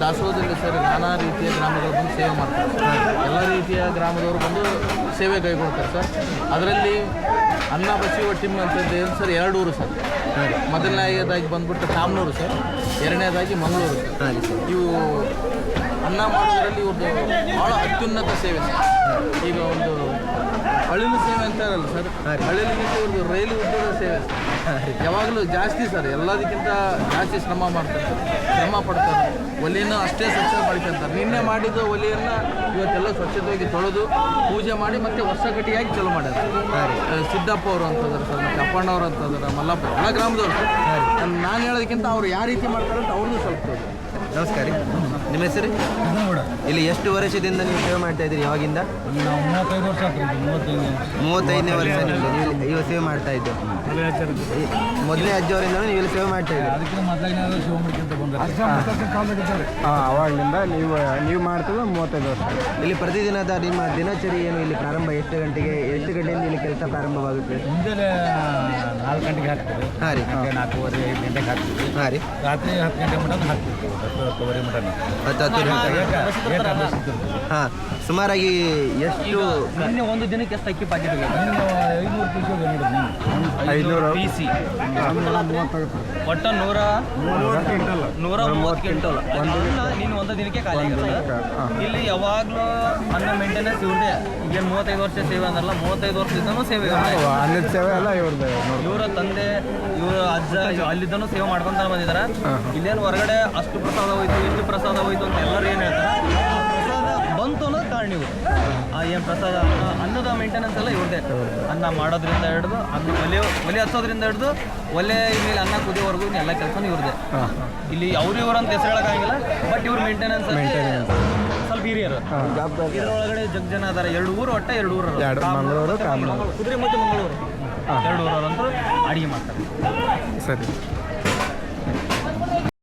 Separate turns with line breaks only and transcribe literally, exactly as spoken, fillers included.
ದಾಸೋಹದಲ್ಲಿ sir ನಾನಾ ರೀತಿಯ ಗ್ರಾಮಗಳು ಬಂದು ಸೇವೆ ಮಾಡ್ತಾರೆ ಎಲ್ಲ ರೀತಿಯ ಗ್ರಾಮದವರು ಬಂದು ಸೇವೆ ಕೈಗೊಳ್ತಾರೆ ಸರ್. ಅದರಲ್ಲಿ ಅನ್ನ ಬಸಿಯುವ ಟೀಮ್ ಅಂತದ್ದು ಏನು ಸರ್ ಎರಡು ಊರು ಸರ್. ಮೊದಲನೇದಾಗಿ ಬಂದ್ಬಿಟ್ಟು ಕಾಮನೂರು ಸರ್, ಎರಡನೇದಾಗಿ ಮಂಗಳೂರು ಸರ್. ಇವು ಅನ್ನ ಮಾಡೋದರಲ್ಲಿ ಇವ್ರದ್ದು ಭಾಳ ಅತ್ಯುನ್ನತ ಸೇವೆ ಸರ್. ಈಗ ಒಂದು ಅಳಿಲು ಸೇವೆ ಅಂತಾರಲ್ಲ ಸರ್, ಅಳಿಲಿಗಿಂತ ಇವ್ರದ್ದು ರೈಲು ಉದ್ಯೋಗ ಸೇವೆ ಸರ್. ಯಾವಾಗಲೂ ಜಾಸ್ತಿ ಸರ್, ಎಲ್ಲದಕ್ಕಿಂತ ಜಾಸ್ತಿ ಶ್ರಮ ಮಾಡ್ತಾರೆ ಸರ್, ಶ್ರಮ ಪಡ್ತಾರೆ. ಒಲೆಯನ್ನು ಅಷ್ಟೇ ಸ್ವಚ್ಛ ಮಾಡ್ಕೊತಾರೆ. ನಿನ್ನೆ ಮಾಡಿದ ಒಲೆಯನ್ನು ಇವತ್ತೆಲ್ಲ ಸ್ವಚ್ಛತೆಯಾಗಿ ತೊಳೆದು ಪೂಜೆ ಮಾಡಿ ಮತ್ತೆ ಹೊಸಗಟ್ಟಿಯಾಗಿ ಚಲೋ ಮಾಡ್ಯಾರ. ಸಿದ್ದಪ್ಪ ಅವರು ಅಂತಂದ್ರೆ ಸರ್, ಮತ್ತು ಅಪ್ಪಣ್ಣವ್ರು ಅಂತಂದ್ರೆ ಮಲ್ಲಪ್ಪ, ಎಲ್ಲ ಗ್ರಾಮದವ್ರು ಸರ್. ನಾನು ಹೇಳೋದಕ್ಕಿಂತ ಅವ್ರು ಯಾವ ರೀತಿ ಮಾಡ್ತಾರೆ ಅಂತ ಅವ್ರದ್ದು ಸ್ವಲ್ಪ ತೋರಿ.
ನಮಸ್ಕಾರ. ನಿಮ್ಮ ಹೆಸರು? ಇಲ್ಲಿ ಎಷ್ಟು ವರ್ಷದಿಂದ ನೀವು ಸೇವೆ ಮಾಡ್ತಾ ಇದ್ದೀರಿ? ಯಾವಾಗಿಂದ?
ನಾವು ಮೂವತ್ತೈದು ವರ್ಷ ಆಗ್ತದೆ. ಮೂವತ್ತೈದು
ಮೂವತ್ತೈದನೇ ವರ್ಷ ನೀವು ಇವಾಗ ಸೇವೆ ಮಾಡ್ತಾ ಇದ್ದು. ಮೊದಲನೇ ಅಜ್ಜವರಿಂದ ನೀವು ಇಲ್ಲಿ ಸೇವೆ ಮಾಡ್ತಾ ಇದ್ದೀರಿ.
ಅದಕ್ಕೆ ಮೊದಲಾಗಿ ಶಿವ ಮಾಡ್ಕೊಂತ ಬಂದರೆ ಹಾಂ ಅವಾಗಲಿಂದ ನೀವು ನೀವು ಮಾಡ್ತದೆ ಮೂವತ್ತೈದು ವರ್ಷ.
ಇಲ್ಲಿ ಪ್ರತಿದಿನದ ನಿಮ್ಮ ದಿನಚರಿ ಏನು? ಇಲ್ಲಿ ಪ್ರಾರಂಭ ಎಷ್ಟು ಗಂಟೆಗೆ ಎಷ್ಟು ಗಂಟೆಯಿಂದ ಇಲ್ಲಿ ಕೆಲಸ ಪ್ರಾರಂಭವಾಗುತ್ತೆ?
ಮುಂಜಾನೆ ನಾಲ್ಕು ಗಂಟೆಗೆ ಹಾಕ್ತೀವಿ.
ಹಾಂ ರೀ.
ನಾಲ್ಕೂವರೆ ಐದು ಗಂಟೆಗೆ ಹಾಕ್ತೀವಿ.
ಹಾಂ ರೀ.
ರಾತ್ರಿ ಹತ್ತು ಗಂಟೆ ಮಟನ್ ಹಾಕ್ತೀವಿ. ಹತ್ತು ಹತ್ತುವರೆ ಮಟನ್
ಹತ್ತು ಹತ್ತು ಹಾಂ. ಸುಮಾರಾಗಿ ಎಷ್ಟು?
ನಿನ್ನೆ ಒಂದು ದಿನಕ್ಕೆ ಎಷ್ಟು ಅಕ್ಕಿ ಪಾಕಿಟ್
ಐನೂರು ಪೀಸ್
ಐನೂರು
ಪಿ ಸಿ ಒಟ್ಟು ನೂರ ನೂರ ಮೂವತ್ತು ಕ್ವಿಂಟಲ್ ನೀನು ಒಂದು ದಿನಕ್ಕೆ ಖಾಲಿ ಆಗಿರುತ್ತೆ. ಇಲ್ಲಿ ಯಾವಾಗಲೂ ಅನ್ನ ಮೇಂಟೆನೆನ್ಸ್ ಇವ್ರದೇ. ಈಗ ಮೂವತ್ತೈದು ವರ್ಷ ಸೇವೆ ಅಂದ್ರಲ್ಲ, ಮೂವತ್ತೈದು ವರ್ಷದಿಂದನೂ ಸೇವೆ
ಅನ್ನದ ಸೇವೆ ಎಲ್ಲ ಇವ್ರದ್ದು.
ಇವರ ತಂದೆ ಇವರು ಅಜ್ಜ ಅಲ್ಲಿದ್ದನೂ ಸೇವೆ ಮಾಡ್ಕೊಂತ ಬಂದಿದ್ದಾರೆ. ಇಲ್ಲೇನು ಹೊರಗಡೆ ಅಷ್ಟು ಪ್ರಸಾದ ಹೋಯ್ತು ಇಷ್ಟು ಪ್ರಸಾದ ಹೋಯ್ತು ಅಂತ ಎಲ್ಲರೂ ಏನು ಹೇಳ್ತಾರೆ. ಪ್ರಸಾದ ಬಂತು ಅನ್ನೋದು ಕಾರಣ ಇವರು. ಏನು ಪ್ರಸಾದ ಅನ್ನದ ಮೇಂಟೆನೆನ್ಸ್ ಎಲ್ಲ ಇವ್ರದೇ. ಅನ್ನ ಮಾಡೋದ್ರಿಂದ ಹಿಡಿದು ಅನ್ನ ಒಲೆ ಒಲೆ ಹಚ್ಚೋದ್ರಿಂದ ಹಿಡಿದು ಒಲೆ ಮೇಲೆ ಅನ್ನ ಕುದಿಯೋವರೆಗೂ ಎಲ್ಲ ಕೆಲಸನೂ ಇವ್ರದೇ. ಇಲ್ಲಿ ಅವ್ರು ಇವರು ಅಂತ ಹೆಸರು ಹೇಳೋಕ್ಕಾಗಿಲ್ಲ, ಬಟ್ ಇವ್ರ ಮೇಂಟೆನೆನ್ಸ್ ಸ್ವಲ್ಪ ಹಿರಿಯರು. ಇದರೊಳಗಡೆ ಜಗ್ ಜನ ಅದಾರೆ. ಎರಡು ಊರು ಒಟ್ಟ ಎರಡು ಊರು
ಮಂಗಳೂರು
ಕುದುರೆ ಮತ್ತು ಮಂಗಳೂರು ಎರಡು ಊರವರಂತೂ ಅಡುಗೆ ಮಾಡ್ತಾರೆ.
ಸರಿ.